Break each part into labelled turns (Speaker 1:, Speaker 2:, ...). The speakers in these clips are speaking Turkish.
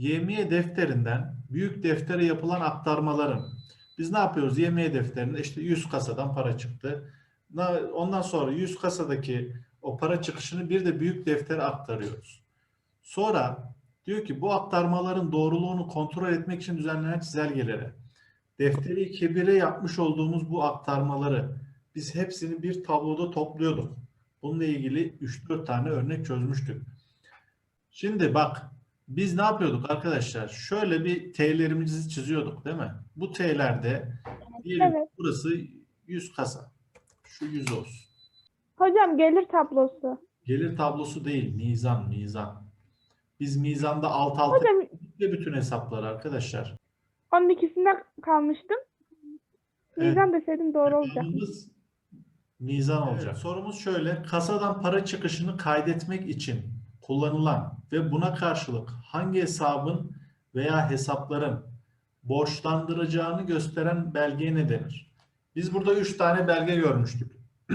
Speaker 1: YMY defterinden büyük deftere yapılan aktarmaların biz ne yapıyoruz? YMY defterinde işte 100 kasadan para çıktı. Ondan sonra 100 kasadaki o para çıkışını bir de büyük deftere aktarıyoruz. Sonra diyor ki bu aktarmaların doğruluğunu kontrol etmek için düzenlenen çizelgelere defteri kebire yapmış olduğumuz bu aktarmaları biz hepsini bir tabloda topluyorduk. Bununla ilgili 3-4 tane örnek çözmüştük. Şimdi bak biz ne yapıyorduk arkadaşlar? Şöyle bir T'lerimizi çiziyorduk değil mi? Bu T'lerde diyelim
Speaker 2: Evet.
Speaker 1: burası 100 kasa. Şu 100 olsun.
Speaker 2: Hocam gelir tablosu.
Speaker 1: Gelir tablosu değil, mizan. Biz mizanda alt alta
Speaker 2: Hocam
Speaker 1: ve bütün hesaplar arkadaşlar.
Speaker 2: onun ikisinde kalmıştım.
Speaker 1: Evet.
Speaker 2: Mizan deseydim doğru olacak.
Speaker 1: Cevabımız mizan olacak. Evet, sorumuz şöyle. Kasadan para çıkışını kaydetmek için kullanılan ve buna karşılık hangi hesabın veya hesapların borçlandıracağını gösteren belgeye ne denir? Biz burada 3 tane belge görmüştük.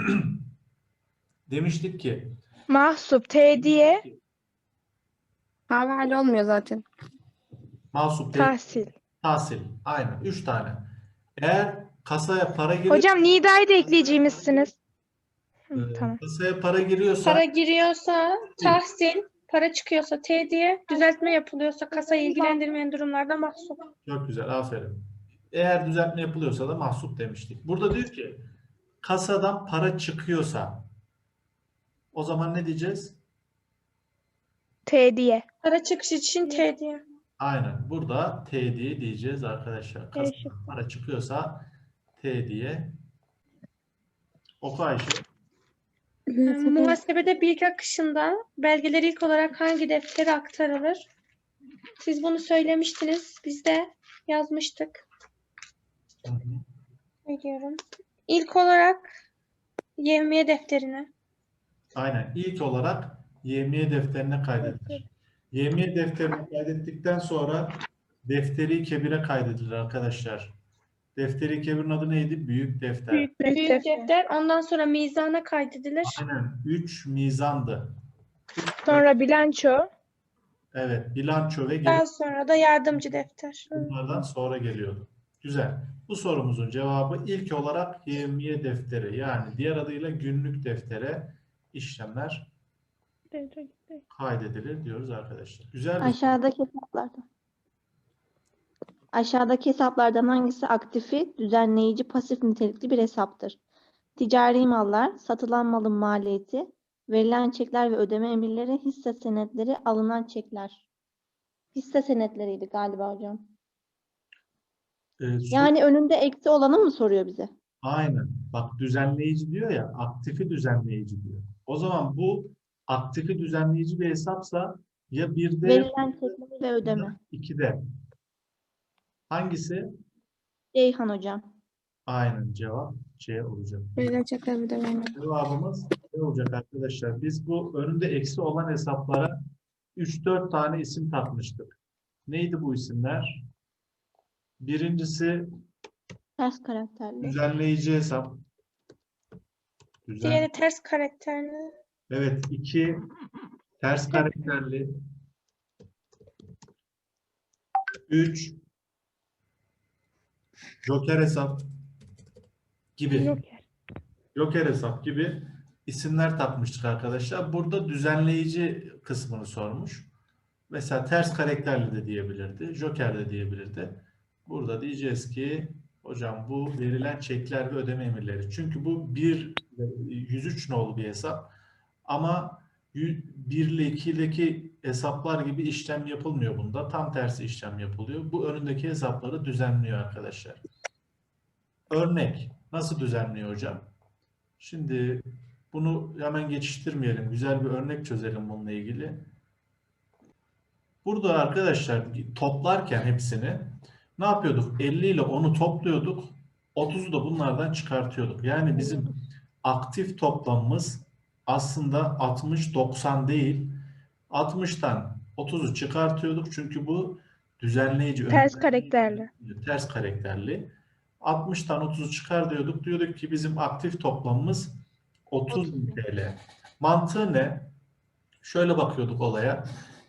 Speaker 1: Demiştik ki
Speaker 3: Mahsup, tediye,
Speaker 4: Havale olmuyor zaten.
Speaker 1: mahsup,
Speaker 3: tahsil.
Speaker 1: tahsil. Aynen 3 tane. Eğer kasaya para giriyor,
Speaker 3: Hocam nidayı da ekleyeceğimizsiniz. Tamam.
Speaker 1: kasaya para giriyorsa
Speaker 5: Para giriyorsa tahsil, para çıkıyorsa tediye, düzeltme yapılıyorsa kasayı ilgilendirmeyen durumlarda mahsup.
Speaker 1: çok güzel, aferin. Eğer düzeltme yapılıyorsa da mahsup demiştik. Burada diyor ki kasadan para çıkıyorsa o zaman ne diyeceğiz?
Speaker 3: Tediye.
Speaker 5: Para çıkış için tediye.
Speaker 1: Aynen. Burada T diye diyeceğiz arkadaşlar. Kasadan para çıkıyorsa T diye. Oku Ayşe.
Speaker 5: Muhasebede bilgi akışında belgeler ilk olarak hangi deftere aktarılır? Siz bunu söylemiştiniz. Biz de yazmıştık.
Speaker 1: Hı hı.
Speaker 5: Biliyorum. İlk olarak YMY defterine.
Speaker 1: Aynen. İlk olarak YMY defterine kaydedilir. YMY defterine kaydettikten sonra defteri kebire kaydedilir arkadaşlar. Defteri kebirin adı neydi? Büyük defter.
Speaker 2: Büyük
Speaker 5: Büyük
Speaker 2: defter.
Speaker 5: defter ondan sonra mizana kaydedilir.
Speaker 1: Aynen. 3 mizandı.
Speaker 3: Sonra bilanço.
Speaker 1: Evet. Bilanço ve geri
Speaker 5: Daha sonra da yardımcı defter.
Speaker 1: bunlardan sonra geliyordu. Güzel. Bu sorumuzun cevabı ilk olarak YMY defteri yani diğer adıyla günlük deftere işlemler kaydedilir diyoruz arkadaşlar. Güzel bir
Speaker 6: Aşağıdaki hesaplardan hangisi aktifi, düzenleyici, pasif nitelikli bir hesaptır? Ticari mallar, satılan malın maliyeti, verilen çekler ve ödeme emirleri, hisse senetleri, alınan çekler. Hisse senetleriydi galiba hocam. Yani önünde eksi olanı mı soruyor bize?
Speaker 1: aynen. Bak düzenleyici diyor ya, aktifi düzenleyici diyor. O zaman bu aktifi düzenleyici bir hesapsa ya birde
Speaker 6: Verilen çekler ve ödeme.
Speaker 1: ya ikide. Hangisi?
Speaker 6: Ceyhan hocam.
Speaker 1: Aynen cevap C olacak.
Speaker 4: Böyle çekler bir de vermiyor.
Speaker 1: Cevabımız ne olacak arkadaşlar? Biz bu önünde eksi olan hesaplara 3-4 tane isim takmıştık. Neydi bu isimler? Birincisi
Speaker 6: Ters karakterli.
Speaker 1: düzenleyici hesap.
Speaker 5: Diğeri ters karakterli.
Speaker 1: Evet, 2 ters karakterli. 3 Joker hesap gibi. Joker hesap gibi isimler takmıştık arkadaşlar. Burada düzenleyici kısmını sormuş. Mesela ters karakterli de diyebilirdi. Joker de diyebilirdi. Burada diyeceğiz ki hocam bu verilen çekler ve ödeme emirleri. Çünkü bu 103 nolu bir hesap. Ama 1 ile 2'deki hesaplar gibi işlem yapılmıyor bunda. Tam tersi işlem yapılıyor. Bu önündeki hesapları düzenliyor arkadaşlar. Örnek. Nasıl düzenliyor hocam? Şimdi bunu hemen geçiştirmeyelim. Güzel bir örnek çözelim bununla ilgili. Burada arkadaşlar toplarken hepsini ne yapıyorduk? 50 ile 10'u topluyorduk. 30'u da bunlardan çıkartıyorduk. Yani bizim aktif toplamımız aslında 60-90 değil. 60'tan 30'u çıkartıyorduk. Çünkü bu düzenleyici.
Speaker 3: Ters karakterli.
Speaker 1: Ters karakterli. 60'tan 30'u çıkar diyorduk. Diyorduk ki bizim aktif toplamımız 30.000 TL. Mantığı ne? Şöyle bakıyorduk olaya.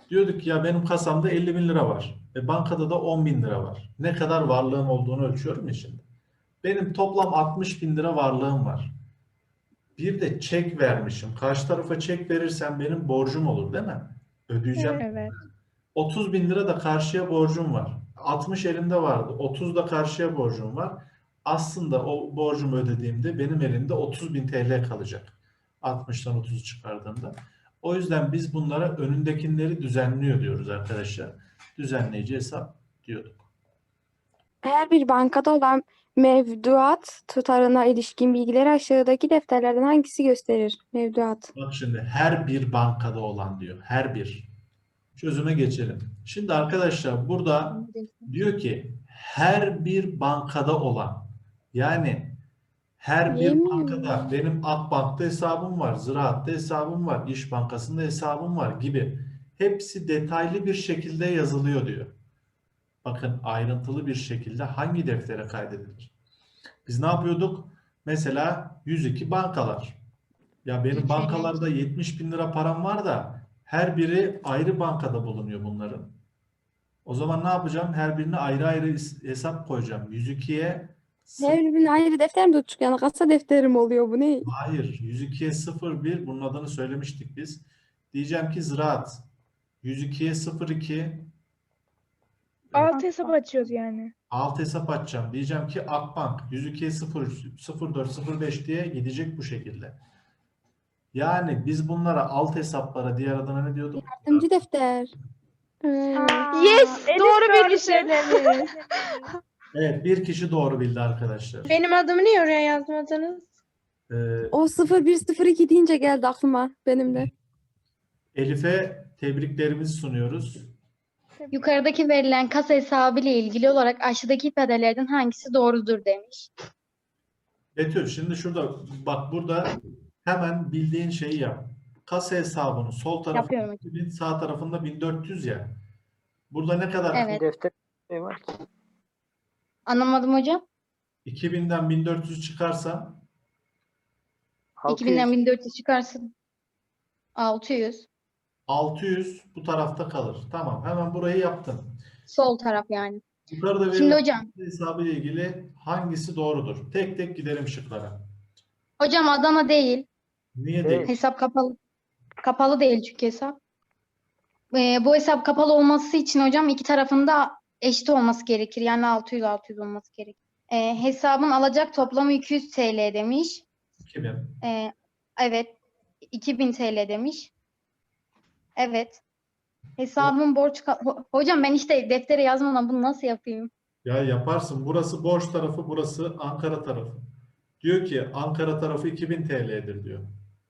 Speaker 1: Diyorduk ki ya benim kasamda 50 bin lira var. Bankada da 10 bin lira var. Ne kadar varlığım olduğunu ölçüyorum ya şimdi. Benim toplam 60 bin lira varlığım var. Bir de çek vermişim. Karşı tarafa çek verirsem benim borcum olur değil mi? Ödeyeceğim.
Speaker 3: Evet.
Speaker 1: 30 bin lira da karşıya borcum var. 60 elimde vardı. 30 da karşıya borcum var. Aslında o borcumu ödediğimde benim elimde 30 bin TL kalacak. 60'tan 30'u çıkardığımda. O yüzden biz bunlara önündekileri düzenliyor diyoruz arkadaşlar. Düzenleyici hesap diyorduk.
Speaker 7: Her bir bankada olan mevduat tutarına ilişkin bilgileri aşağıdaki defterlerden hangisi gösterir? Mevduat.
Speaker 1: Bak şimdi her bir bankada olan diyor. Her bir. Çözüme geçelim. Şimdi arkadaşlar burada diyor ki her bir bankada olan, yani her bir
Speaker 7: Yemin.
Speaker 1: bankada benim Akbank'ta hesabım var, Ziraat'ta hesabım var, İş Bankası'nda hesabım var gibi hepsi detaylı bir şekilde yazılıyor diyor. Bakın ayrıntılı bir şekilde hangi deftere kaydedilir? Biz ne yapıyorduk? Mesela 102 bankalar. Ya benim bankalarda 70 bin lira param var da her biri ayrı bankada bulunuyor bunların. O zaman ne yapacağım? Her birine ayrı ayrı hesap koyacağım. 102'ye
Speaker 7: Her birine ayrı defter mi tutacak? Yani kasa defterim oluyor bu ne?
Speaker 1: hayır. 102'ye 01 bunun adını söylemiştik biz. Diyeceğim ki Ziraat. 102'ye 02
Speaker 3: Alt hesap açıyoruz yani.
Speaker 1: alt hesap açacağım. Diyeceğim ki Akbank 102'ye 03 04 05 diye gidecek bu şekilde. Yani biz bunlara alt hesaplara diğer adına ne diyorduk?
Speaker 7: Yardımcı defter.
Speaker 3: Yes,
Speaker 2: Elif
Speaker 3: doğru bilmişim.
Speaker 2: söylemiş.
Speaker 1: Evet, bir kişi doğru bildi arkadaşlar.
Speaker 5: Benim adımı niye oraya yazmadınız?
Speaker 7: O 0102 deyince geldi aklıma benim de.
Speaker 1: Elif'e tebriklerimizi sunuyoruz.
Speaker 8: Yukarıdaki verilen kasa hesabı ile ilgili olarak aşağıdaki ifadelerden hangisi doğrudur demiş.
Speaker 1: Betül, şimdi şurada bak, burada hemen bildiğin şeyi yap. Kasa hesabının sol tarafında
Speaker 8: Yapıyorum.
Speaker 1: 2000, sağ tarafında 1400 ya. Burada ne kadar?
Speaker 8: Evet.
Speaker 9: Defter şey var ki.
Speaker 8: Anlamadım hocam.
Speaker 1: 2000'den 1400 çıkarsa
Speaker 8: 2000'den 1400 çıkarsın. 600.
Speaker 1: 600 bu tarafta kalır. Tamam, hemen burayı yaptın.
Speaker 8: Sol taraf yani.
Speaker 1: Yukarıda
Speaker 8: Şimdi
Speaker 1: verilen
Speaker 8: hocam.
Speaker 1: hesabı ile ilgili hangisi doğrudur? Tek tek gidelim şıklara.
Speaker 8: Hocam Adana değil.
Speaker 1: Niye
Speaker 9: Evet.
Speaker 1: değil?
Speaker 8: Hesap kapalı. Kapalı değil çünkü hesap. Bu hesap kapalı olması için hocam iki tarafında eşit olması gerekir. Yani 600 olması gerekir. Hesabın alacak toplamı 200 TL demiş.
Speaker 1: 2000.
Speaker 8: Evet. 2000 TL demiş. Evet. Hesabın hocam ben işte deftere yazmadan bunu nasıl yapayım?
Speaker 1: Ya yaparsın. Burası borç tarafı, burası Ankara tarafı. Diyor ki Ankara tarafı 2000 TL'dir diyor.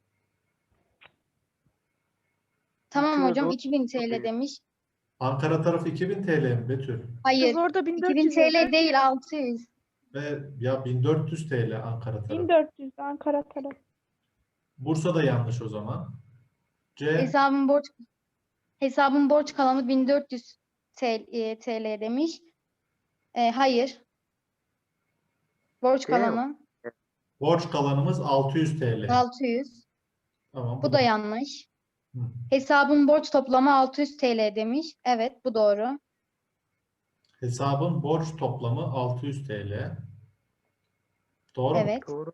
Speaker 8: Tamam
Speaker 9: Bakıyoruz
Speaker 8: hocam
Speaker 9: o-
Speaker 8: 2000 TL demiş.
Speaker 1: Ankara tarafı 2000 TL mi Betül?
Speaker 8: Hayır.
Speaker 3: Kız orada
Speaker 8: 2000
Speaker 3: 1400
Speaker 8: TL
Speaker 3: yazıyor.
Speaker 8: değil 600.
Speaker 1: Ve ya 1400 TL Ankara tarafı.
Speaker 2: 1400 Ankara tarafı.
Speaker 1: Bursa da yanlış o zaman. C.
Speaker 8: Hesabın borç kalanı 1400 TL demiş. Hayır. Borç
Speaker 9: Değil mi?
Speaker 8: kalanı
Speaker 1: Borç kalanımız 600 TL.
Speaker 8: 600.
Speaker 1: Tamam.
Speaker 8: Bu da yanlış.
Speaker 1: Hı.
Speaker 8: Hesabın borç toplamı 600 TL demiş. Evet, bu doğru.
Speaker 1: Hesabın borç toplamı 600 TL. Doğru mu?
Speaker 8: Evet,
Speaker 9: Doğru.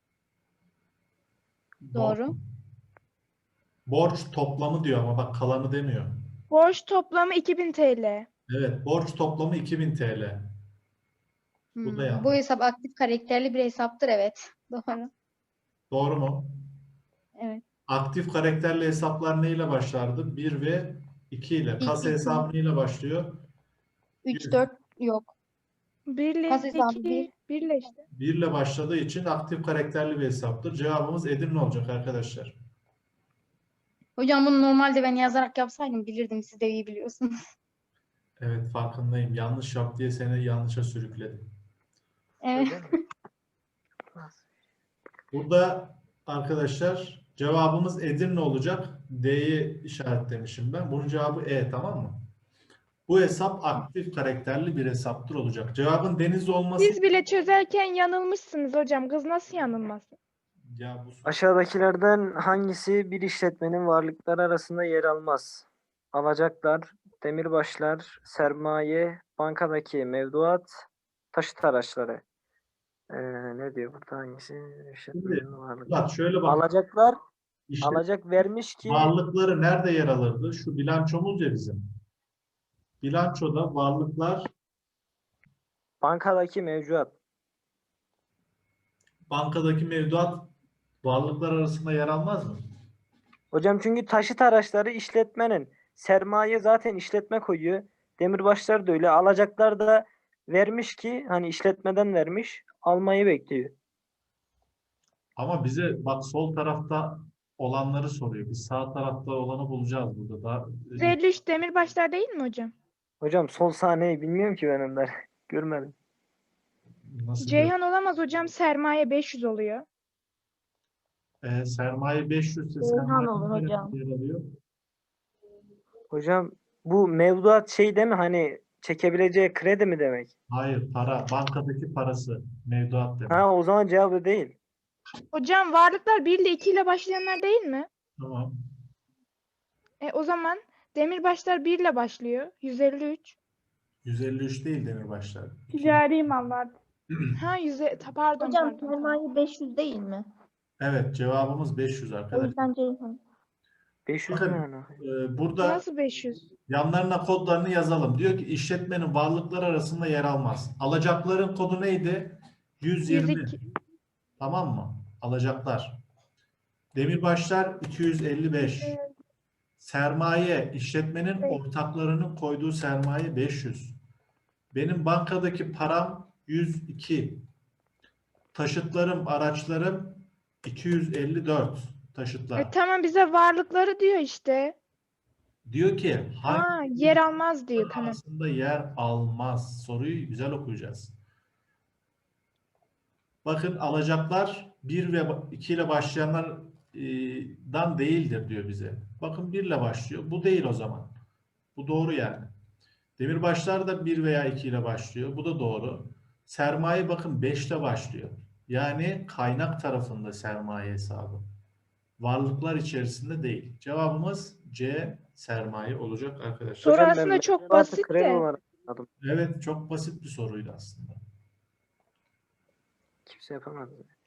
Speaker 8: doğru.
Speaker 1: Borç toplamı diyor ama bak kalanı demiyor.
Speaker 3: Borç toplamı 2000 TL.
Speaker 1: Evet, borç toplamı 2000 TL. Bu da yanlış.
Speaker 8: Bu hesap aktif karakterli bir hesaptır. Evet, doğru.
Speaker 1: Doğru mu?
Speaker 8: Evet.
Speaker 1: Aktif karakterli hesaplar neyle başlardı? 1 ve 2 ile. Kasa
Speaker 8: İki.
Speaker 1: hesabı neyle başlıyor?
Speaker 8: 3, 4 yok.
Speaker 3: 1 ile
Speaker 8: Kas hesabı
Speaker 3: 2,
Speaker 8: bir.
Speaker 3: 1 ile işte.
Speaker 1: 1 ile başladığı için aktif karakterli bir hesaptır. Cevabımız Edirne olacak arkadaşlar.
Speaker 8: Hocam bunu normalde ben yazarak yapsaydım bilirdim. Siz de iyi biliyorsunuz.
Speaker 1: Evet, farkındayım. Yanlış yap diye seni yanlışa sürükledim.
Speaker 8: Evet.
Speaker 9: Öyle mi?
Speaker 1: Burada arkadaşlar cevabımız Edirne olacak. D'yi işaretlemişim ben. Bunun cevabı E, tamam mı? Bu hesap aktif karakterli bir hesaptır olacak. Cevabın Denizli olması...
Speaker 3: Siz bile çözerken yanılmışsınız hocam. Kız nasıl yanılmasın?
Speaker 1: Ya bu
Speaker 9: Aşağıdakilerden hangisi bir işletmenin varlıkları arasında yer almaz? alacaklar, demirbaşlar, sermaye, bankadaki mevduat, taşıt araçları. Ne diyor burada hangisi? İşletmenin varlığı.
Speaker 1: Bak şöyle bak.
Speaker 9: Alacaklar,
Speaker 1: İşte
Speaker 9: alacak vermiş ki
Speaker 1: varlıkları nerede yer alırdı? Şu bilançomuz ya bizim. Bilançoda varlıklar
Speaker 9: bankadaki mevduat.
Speaker 1: bankadaki mevduat varlıklar arasında yer almaz mı?
Speaker 9: Hocam çünkü taşıt araçları işletmenin. Sermaye zaten işletme koyuyor. Demirbaşlar da öyle. Alacaklar da vermiş ki hani işletmeden vermiş. Almayı bekliyor.
Speaker 1: Ama bize bak sol tarafta olanları soruyor. Biz sağ tarafta olanı bulacağız burada da.
Speaker 3: 153 demirbaşlar değil mi hocam?
Speaker 9: Hocam sol sahneyi bilmiyorum ki ben onları. Görmedim.
Speaker 1: Nasıl
Speaker 3: Ceyhan olamaz hocam. Sermaye 500 oluyor.
Speaker 1: sermaye 500 ise
Speaker 6: Ceyhan
Speaker 1: sermaye
Speaker 6: olur
Speaker 1: nerede
Speaker 6: hocam.
Speaker 1: yer alıyor?
Speaker 9: Hocam bu mevduat şey değil mi? Hani çekebileceği kredi mi demek?
Speaker 1: Hayır, para. Bankadaki parası. Mevduat demek.
Speaker 9: Ha o zaman cevabı değil.
Speaker 3: Hocam varlıklar 1 ile 2 ile başlayanlar değil mi?
Speaker 1: Tamam.
Speaker 3: O zaman demirbaşlar 1 ile başlıyor. 153.
Speaker 1: 153 değil demirbaşlar.
Speaker 2: Ticari mallar.
Speaker 3: Ha pardon
Speaker 6: Hocam
Speaker 3: pardon.
Speaker 6: sermaye 500 değil mi?
Speaker 1: Evet, cevabımız 500
Speaker 6: O
Speaker 1: arkadaşlar.
Speaker 6: yüzden Ceyhan.
Speaker 9: 500
Speaker 1: Bakın,
Speaker 9: yani.
Speaker 1: Burada
Speaker 3: Nasıl 500?
Speaker 1: yanlarına kodlarını yazalım. Diyor ki işletmenin varlıkları arasında yer almaz. Alacakların kodu neydi? 120.
Speaker 3: 102.
Speaker 1: Tamam mı? Alacaklar. Demirbaşlar 255. Sermaye, işletmenin ortaklarının koyduğu sermaye 500. Benim bankadaki param 102. Taşıtlarım, araçlarım 254 taşıtlar.
Speaker 3: Tamam bize varlıkları diyor işte.
Speaker 1: Diyor ki hangi
Speaker 3: Yer almaz diyor. Tamam.
Speaker 1: arasında yer almaz? Soruyu güzel okuyacağız. Bakın alacaklar 1 ve 2 ile başlayanlardan değildir diyor bize. Bakın 1 ile başlıyor. Bu değil o zaman. Bu doğru yani. Demirbaşlar da 1 veya 2 ile başlıyor. Bu da doğru. Sermaye bakın 5 ile başlıyor. Yani kaynak tarafında sermaye hesabı. Varlıklar içerisinde değil. Cevabımız C sermaye olacak arkadaşlar.
Speaker 3: Soru
Speaker 9: Hocam ben
Speaker 3: aslında çok
Speaker 9: mevduatı
Speaker 3: basit
Speaker 9: kredi
Speaker 3: de.
Speaker 9: olarak anladım.
Speaker 1: Evet, çok basit bir soruydu aslında.
Speaker 9: Kimse yapamaz.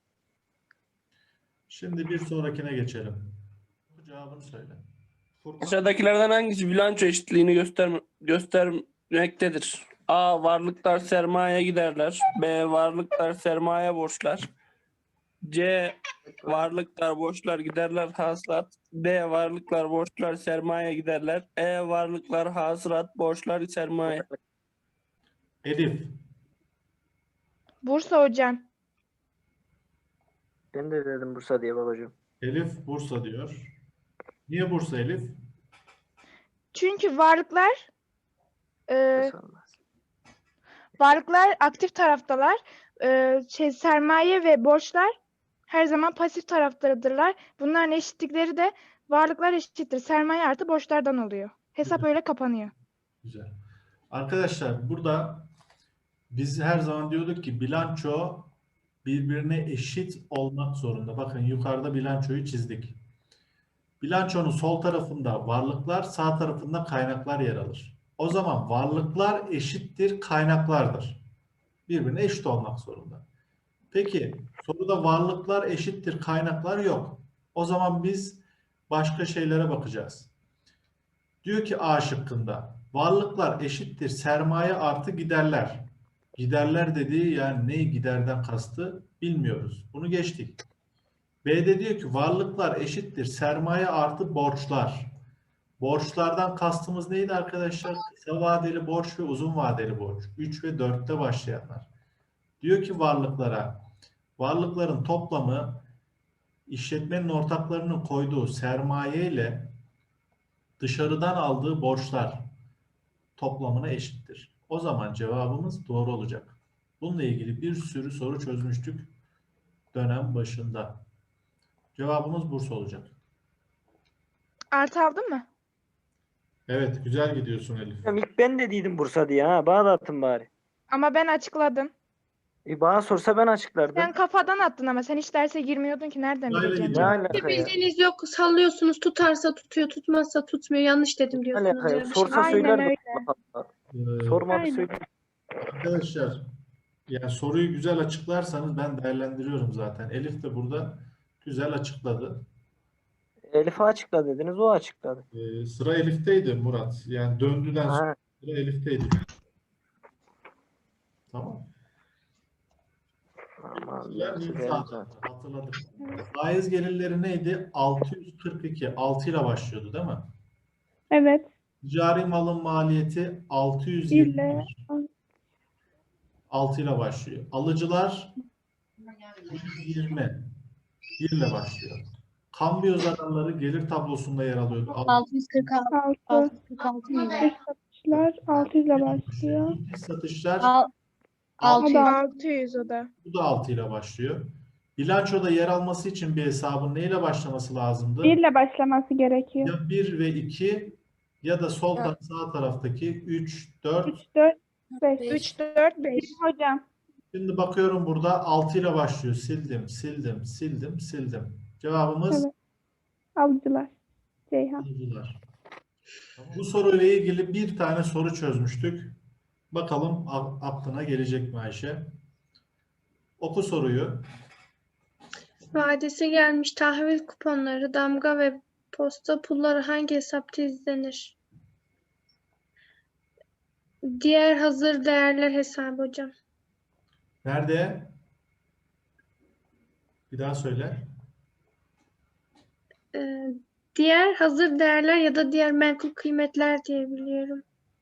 Speaker 1: Şimdi bir sonrakine geçelim. Cevabını söyle. Furkan.
Speaker 10: Aşağıdakilerden hangisi bilanço eşitliğini göstermektedir? A. Varlıklar sermaye giderler. B. Varlıklar sermaye borçlar. C. Varlıklar borçlar giderler hasılat. D. Varlıklar borçlar sermaye giderler. E. Varlıklar hasılat borçlar sermaye.
Speaker 1: Elif.
Speaker 3: Bursa hocam.
Speaker 9: Ben de dedim Bursa diye babacığım.
Speaker 1: Elif Bursa diyor. Niye Bursa Elif?
Speaker 3: Çünkü varlıklar
Speaker 9: Bursa olmaz.
Speaker 3: aktif taraftalar. Sermaye ve borçlar her zaman pasif taraftadırlar. Bunların eşitlikleri de varlıklar eşittir. Sermaye artı borçlardan oluyor. Hesap öyle kapanıyor.
Speaker 1: Güzel. Arkadaşlar burada biz her zaman diyorduk ki bilanço birbirine eşit olmak zorunda. Bakın yukarıda bilançoyu çizdik. Bilançonun sol tarafında varlıklar, sağ tarafında kaynaklar yer alır. O zaman varlıklar eşittir kaynaklardır. Birbirine eşit olmak zorunda. Peki soruda varlıklar eşittir kaynaklar yok. O zaman biz başka şeylere bakacağız. Diyor ki A şıkkında varlıklar eşittir sermaye artı giderler. Giderler dediği yani ne giderden kastı bilmiyoruz. Bunu geçtik. B'de diyor ki varlıklar eşittir sermaye artı borçlar. Borçlardan kastımız neydi arkadaşlar? Kısa vadeli borç ve uzun vadeli borç. 3 ve 4'te başlayanlar. Diyor ki varlıkların toplamı işletmenin ortaklarının koyduğu sermaye ile dışarıdan aldığı borçlar toplamına eşittir. O zaman cevabımız doğru olacak. Bununla ilgili bir sürü soru çözmüştük dönem başında. Cevabımız Bursa olacak.
Speaker 3: Artı aldın mı?
Speaker 1: Evet, güzel gidiyorsun Elif.
Speaker 9: Hocam ilk ben de dedim Bursa diye ha. Bana da atın bari.
Speaker 3: Ama ben açıkladım.
Speaker 9: Bana sorsa ben açıklardım.
Speaker 3: Sen kafadan attın ama sen hiç derse girmiyordun ki nereden
Speaker 1: Sırayla
Speaker 3: bileceksin?
Speaker 1: gidiyor.
Speaker 9: Ne alaka ya?
Speaker 5: Bildiğiniz yok. Sallıyorsunuz. Tutarsa tutuyor, tutmazsa tutmuyor. Yanlış dedim
Speaker 9: Ne
Speaker 5: diyorsunuz
Speaker 9: alaka ya?
Speaker 5: ya. Bir şey.
Speaker 9: Sorsa
Speaker 3: Aynen
Speaker 9: söylerdim.
Speaker 3: öyle.
Speaker 9: Allah Allah.
Speaker 1: Ee,
Speaker 9: Sormadı
Speaker 3: Aynen.
Speaker 9: söyler.
Speaker 1: Arkadaşlar, yani soruyu güzel açıklarsanız ben değerlendiriyorum zaten. Elif de burada güzel açıkladı.
Speaker 9: Elif'e açıkla dediniz, o açıkladı.
Speaker 1: Sıra Elif'teydi Murat. Yani döndüden sonra
Speaker 9: Ha,
Speaker 1: sıra Elif'teydi. Tamam.
Speaker 9: aman
Speaker 1: Sıra
Speaker 9: nasıl
Speaker 1: Nisa
Speaker 9: geldi
Speaker 1: Hanım'da,
Speaker 9: zaten.
Speaker 1: hatırladık. Faiz gelirleri neydi? 642. 6 ile başlıyordu değil mi?
Speaker 2: Evet.
Speaker 1: Ticari malın maliyeti
Speaker 2: İlle
Speaker 1: 621. 6 ile başlıyor. Alıcılar 120. 1 ile başlıyor. Kambiyo zararları gelir tablosunda yer alıyordu.
Speaker 8: 646.
Speaker 2: 6.
Speaker 8: 646 mıydı?
Speaker 2: Dış satışlar 600 ile başlıyor.
Speaker 1: Dış satışlar
Speaker 8: Al-
Speaker 2: O
Speaker 8: 600.
Speaker 2: da
Speaker 3: 600 o da.
Speaker 1: bu da 6 ile başlıyor. Bilançoda yer alması için bir hesabın neyle başlaması lazımdı?
Speaker 2: 1 ile başlaması gerekiyor.
Speaker 1: Ya 1 ve 2 ya da sağ taraftaki 3, 4.
Speaker 2: 3, 4, 5.
Speaker 3: 3, 4, 5.
Speaker 2: Hocam.
Speaker 1: Şimdi bakıyorum burada 6 ile başlıyor. Sildim. Cevabımız
Speaker 2: Evet. Alıcılar. Ceyhan.
Speaker 1: alıcılar. Bu soruyla ilgili bir tane soru çözmüştük. Bakalım aklına gelecek mi Ayşe? Oku soruyu.
Speaker 5: Vadesi gelmiş tahvil kuponları, damga ve posta pulları hangi hesapta izlenir? Diğer hazır değerler hesabı hocam.
Speaker 1: Nerede? Bir daha söyle.
Speaker 5: Diğer hazır değerler ya da diğer menkul kıymetler diye biliyorum.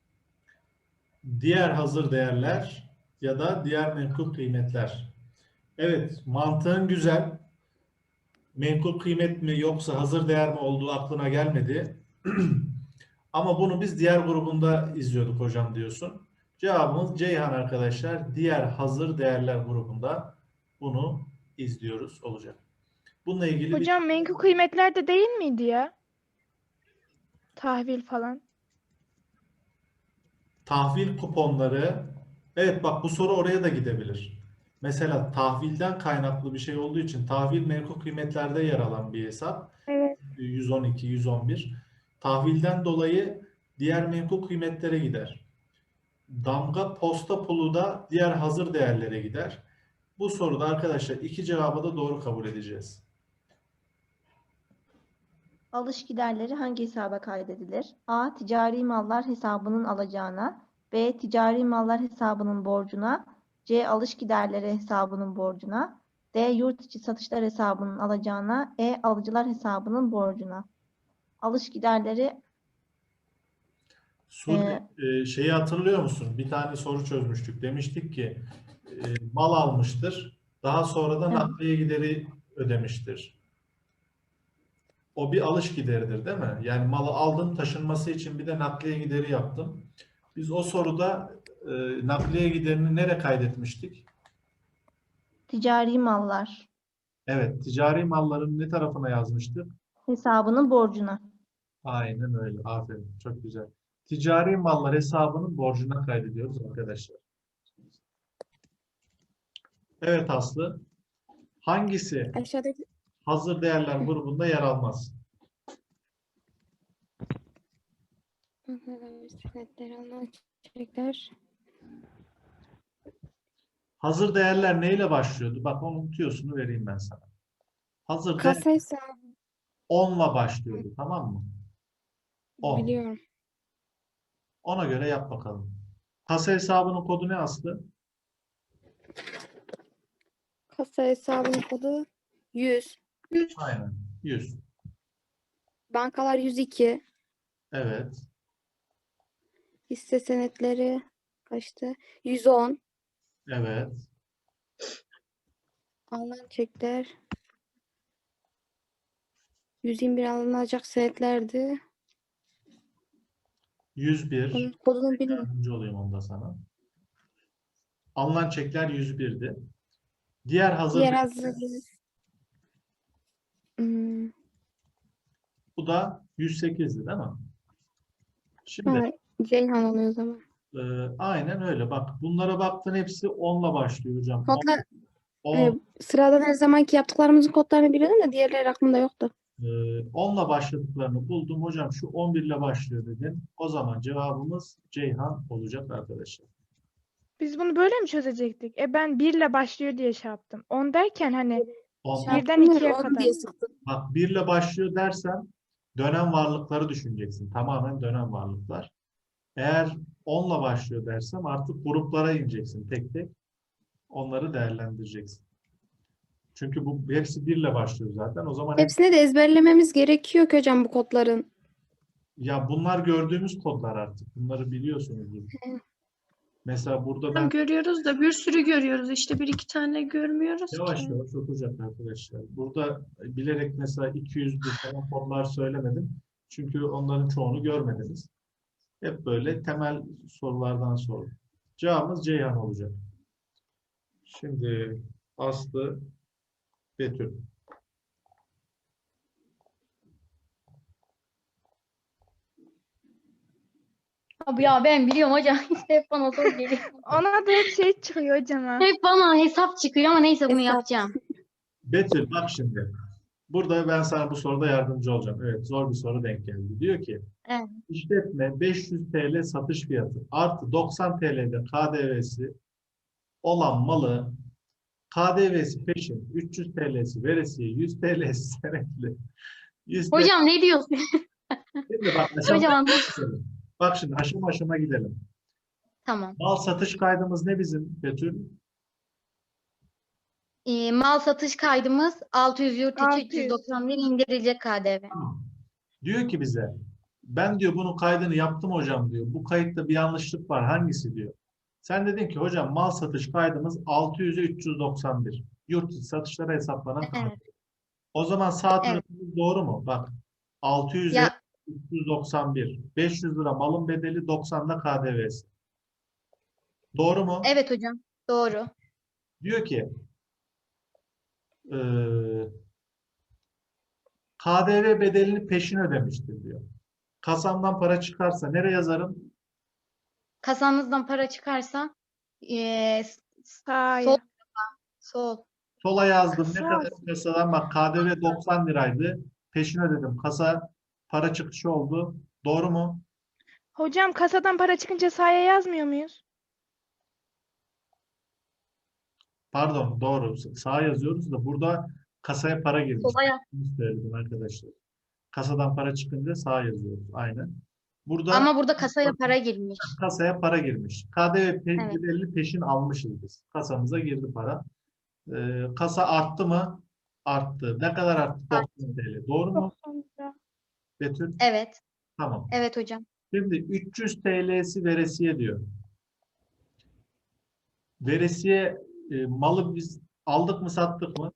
Speaker 1: Diğer hazır değerler ya da diğer menkul kıymetler. Evet, mantığın güzel. Menkul kıymet mi yoksa hazır değer mi olduğu aklına gelmedi. Ama bunu biz diğer grubunda izliyorduk hocam diyorsun. Cevabımız Ceyhan arkadaşlar. Diğer hazır değerler grubunda bunu izliyoruz olacak. Bununla ilgili
Speaker 3: Hocam menkul kıymetler de değil miydi ya? Tahvil falan.
Speaker 1: tahvil kuponları. Evet bak bu soru oraya da gidebilir. Mesela tahvilden kaynaklı bir şey olduğu için tahvil menkul kıymetlerde yer alan bir hesap.
Speaker 2: Evet.
Speaker 1: 112, 111. Tahvilden dolayı diğer menkul kıymetlere gider. Damga posta pulu da diğer hazır değerlere gider. Bu soruda arkadaşlar iki cevabı da doğru kabul edeceğiz.
Speaker 6: Alış giderleri hangi hesaba kaydedilir? A. Ticari mallar hesabının alacağına. B. Ticari mallar hesabının borcuna. C. Alış giderleri hesabının borcuna. D. Yurt içi satışlar hesabının alacağına. E. Alıcılar hesabının borcuna. Alış giderleri
Speaker 1: Şeyi hatırlıyor musun? Bir tane soru çözmüştük. Demiştik ki mal almıştır. Daha sonra da
Speaker 6: Evet.
Speaker 1: nakliye gideri ödemiştir. O bir alış gideridir değil mi? Yani malı aldın taşınması için bir de nakliye gideri yaptın. Biz o soruda nakliye giderini nereye kaydetmiştik?
Speaker 6: ticari mallar
Speaker 1: Evet, ticari malların ne tarafına yazmıştık?
Speaker 6: hesabının borcuna.
Speaker 1: Aynen öyle. Aferin. Çok güzel. Ticari mallar hesabının borcuna kaydediyoruz arkadaşlar. Evet Aslı. Hangisi
Speaker 7: Aşağıdaki
Speaker 1: hazır değerler grubunda yer almaz?
Speaker 7: senetleri alınan çekler.
Speaker 1: Hazır değerler neyle başlıyordu? Bak onu unutuyorsun, vereyim ben sana. Hazır değer
Speaker 7: Kasa hesabı
Speaker 1: 10'la başlıyordu, tamam mı? 10.
Speaker 7: biliyorum.
Speaker 1: Ona göre yap bakalım. Kasa hesabının kodu ne Aslı?
Speaker 7: Kasa hesabının kodu 100.
Speaker 1: Aynen. 100.
Speaker 7: Bankalar 102.
Speaker 1: Evet.
Speaker 7: Hisse senetleri kaçtı? 110.
Speaker 1: Evet.
Speaker 7: Alınan çekler 121 alınacak senetlerdi.
Speaker 1: 101.
Speaker 7: Onun kodunu bilmiyorum.
Speaker 1: Yardımcı olayım onda sana. Alınan çekler 101'di. Diğer hazır
Speaker 7: Diğer
Speaker 1: değer-
Speaker 7: hazır.
Speaker 1: bu da 108'di değil mi? Şimdi
Speaker 7: Ha, Ceyhan oluyor o zaman.
Speaker 1: Aynen öyle. Bak bunlara baktın hepsi 10'la başlıyor hocam.
Speaker 7: Kodlar,
Speaker 1: 10,
Speaker 7: sıradan her zamanki yaptıklarımızın kodlarını biliyordum da diğerleri aklımda yoktu.
Speaker 1: 10'la başladıklarını buldum. Hocam şu 11 ile başlıyor dedin. O zaman cevabımız Ceyhan olacak arkadaşlar.
Speaker 3: Biz bunu böyle mi çözecektik? Ben 1 ile başlıyor diye şey yaptım. 10 derken hani
Speaker 1: 10.
Speaker 3: birden 2'ye
Speaker 7: Onu
Speaker 3: kadar.
Speaker 7: diye sıktım.
Speaker 1: Bak 1 ile başlıyor dersen dönem varlıkları düşüneceksin. Tamamen dönem varlıklar. Eğer 10'la başlıyor dersem artık gruplara ineceksin tek tek. Onları değerlendireceksin. Çünkü bu hepsi 1 ile başlıyor zaten. O zaman
Speaker 7: Hepsini de ezberlememiz gerekiyor ki hocam bu kodların.
Speaker 1: ya bunlar gördüğümüz kodlar artık. Bunları biliyorsunuz. Mesela burada ben
Speaker 5: Görüyoruz da bir sürü görüyoruz. İşte bir iki tane görmüyoruz
Speaker 1: yavaş
Speaker 5: ki.
Speaker 1: yavaş okuyacak arkadaşlar. Burada bilerek mesela 200'lü falan konular söylemedim. Çünkü onların çoğunu görmediniz. Hep böyle temel sorulardan sordum. Cevabımız Ceyhan olacak. Şimdi Aslı, Betül.
Speaker 8: Abi ya ben biliyorum hocam. Hep bana zor geliyor.
Speaker 3: Ona da hep şey çıkıyor hocam ha.
Speaker 8: Hep bana hesap çıkıyor ama neyse bunu
Speaker 7: Hesap.
Speaker 8: yapacağım.
Speaker 1: Betül bak şimdi. Burada ben sana bu soruda yardımcı olacağım. Evet, zor bir soru denk geldi. Diyor ki
Speaker 8: Evet.
Speaker 1: işletme 500 TL satış fiyatı artı 90 TL'de KDV'si olan malı KDV'si peşin 300 TL'si veresiye 100 TL'si senetli 100 TL.
Speaker 8: Hocam ne diyorsun?
Speaker 1: Şimdi bak, aşama
Speaker 8: Hocam anlat.
Speaker 1: gidelim. Bak şimdi aşama aşama gidelim.
Speaker 8: Tamam.
Speaker 1: Mal satış kaydımız ne bizim Betül?
Speaker 8: Mal satış kaydımız 600 yurt içi
Speaker 3: 600.
Speaker 8: 391 indirilecek KDV.
Speaker 1: Diyor ki bize ben diyor bunun kaydını yaptım hocam diyor. Bu kayıtta bir yanlışlık var. Hangisi diyor. Sen dedin ki hocam mal satış kaydımız 600'e 391. Yurt içi satışlara hesaplanan kayıt.
Speaker 8: Evet.
Speaker 1: O zaman sağ
Speaker 8: Evet.
Speaker 1: tarafımız doğru mu? Bak 600'e
Speaker 8: Ya
Speaker 1: 391. 500 lira malın bedeli 90'da KDV'si. Doğru mu?
Speaker 8: evet hocam. Doğru.
Speaker 1: Diyor ki KDV bedelini peşin ödemiştir diyor. Kasamdan para çıkarsa nereye yazarım?
Speaker 8: Kasanızdan para çıkarsa
Speaker 3: Sağa.
Speaker 8: sol sol.
Speaker 1: Sola yazdım. Ne
Speaker 3: Kasa.
Speaker 1: kadar kasadan bak KDV 90 liraydı. Peşin ödedim. Kasa para çıkışı oldu. Doğru mu?
Speaker 3: Hocam kasadan para çıkınca sağa yazmıyor muyuz?
Speaker 1: Pardon doğru. Sağa yazıyoruz da burada kasaya para girmiş.
Speaker 8: Sola yaz.
Speaker 1: Bunu söyledim arkadaşlar. Kasadan para çıkınca sağa yazıyoruz. Aynen. Burada
Speaker 8: Ama burada kasaya para girmiş.
Speaker 1: kasaya para girmiş. KDV
Speaker 8: Evet.
Speaker 1: bedelini peşin almışız biz. Kasamıza girdi para. Kasa arttı mı? Arttı. Ne kadar arttı? 90 TL. Doğru mu
Speaker 2: 90 lira.
Speaker 1: Betül?
Speaker 8: Evet.
Speaker 1: Tamam.
Speaker 8: Evet hocam.
Speaker 1: Şimdi 300 TL'si veresiye diyor. Veresiye malı biz aldık mı sattık mı?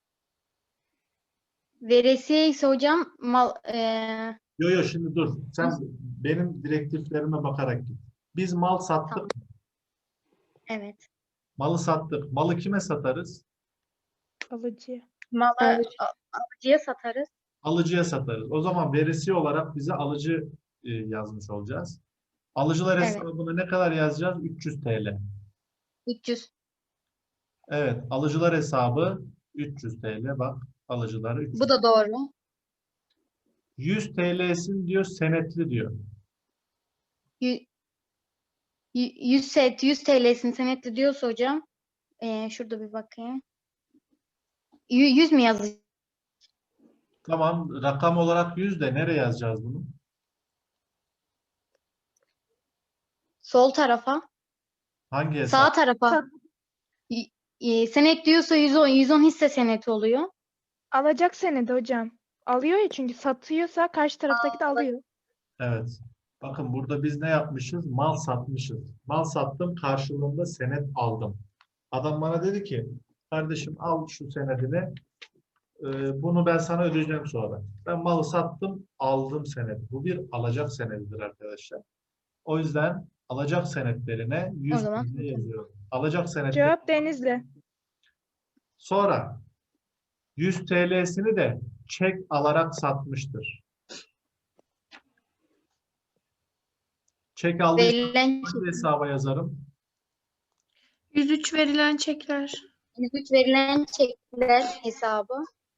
Speaker 8: Veresiye ise hocam mal
Speaker 1: Yo şimdi dur. Sen benim direktiflerime bakarak git. Biz mal sattık.
Speaker 8: Tamam. Evet.
Speaker 1: Malı sattık. Malı kime satarız?
Speaker 3: Alıcı.
Speaker 8: Malı
Speaker 7: Alıcı.
Speaker 8: alıcıya satarız.
Speaker 1: Alıcıya satarız. O zaman veresiye olarak bize alıcı yazmış olacağız. Alıcılar
Speaker 8: Evet.
Speaker 1: hesabına ne kadar yazacağız? 300 TL.
Speaker 8: 300.
Speaker 1: Evet. Alıcılar hesabı 300 TL. Bak alıcılar 300.
Speaker 8: Bu da doğru.
Speaker 1: 100 TL'sin diyor senetli diyor.
Speaker 8: 100 TL'sini senetli diyorsa hocam şurada bir bakayım. 100 mi yazıyor?
Speaker 1: Tamam. Rakam olarak 100 de nereye yazacağız bunu?
Speaker 8: Sol tarafa.
Speaker 1: Hangi hesap?
Speaker 8: Sağ tarafa. Senet diyorsa 110 hisse seneti oluyor.
Speaker 3: Alacak senedi hocam. Alıyor ya çünkü satıyorsa karşı taraftaki de alıyor.
Speaker 1: Evet. Bakın burada biz ne yapmışız? Mal satmışız. Mal sattım karşılığında senet aldım. Adam bana dedi ki kardeşim al şu senedini. Bunu ben sana ödeyeceğim sonra. Ben malı sattım aldım senedi. Bu bir alacak senedidir arkadaşlar. O yüzden alacak senetlerine 100
Speaker 8: O zaman.
Speaker 1: TL yazıyorum. Alacak senetleri.
Speaker 3: Cevap Denizli.
Speaker 1: Sonra 100 TL'sini de çek alarak satmıştır. Çek aldıysam
Speaker 8: Verilen
Speaker 1: hangi hesaba yazarım?
Speaker 5: 103 verilen çekler.
Speaker 8: 103 verilen çekler hesabı.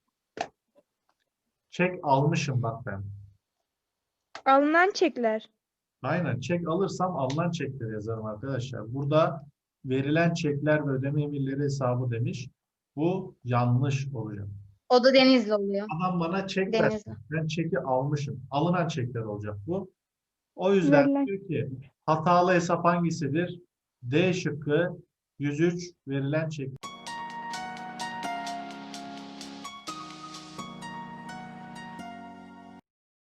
Speaker 1: Çek almışım bak ben.
Speaker 3: Alınan çekler.
Speaker 1: Aynen. Çek alırsam alınan çekleri yazarım arkadaşlar. Burada verilen çekler ve ödeme emirleri hesabı demiş. Bu yanlış oluyor.
Speaker 8: O da Denizli oluyor.
Speaker 1: Adam bana çek
Speaker 8: Denizli.
Speaker 1: versin. Ben çeki almışım. Alınan çekler olacak bu. O yüzden
Speaker 2: Verilen.
Speaker 1: diyor ki hatalı hesap hangisidir? D şıkkı 103 verilen çek.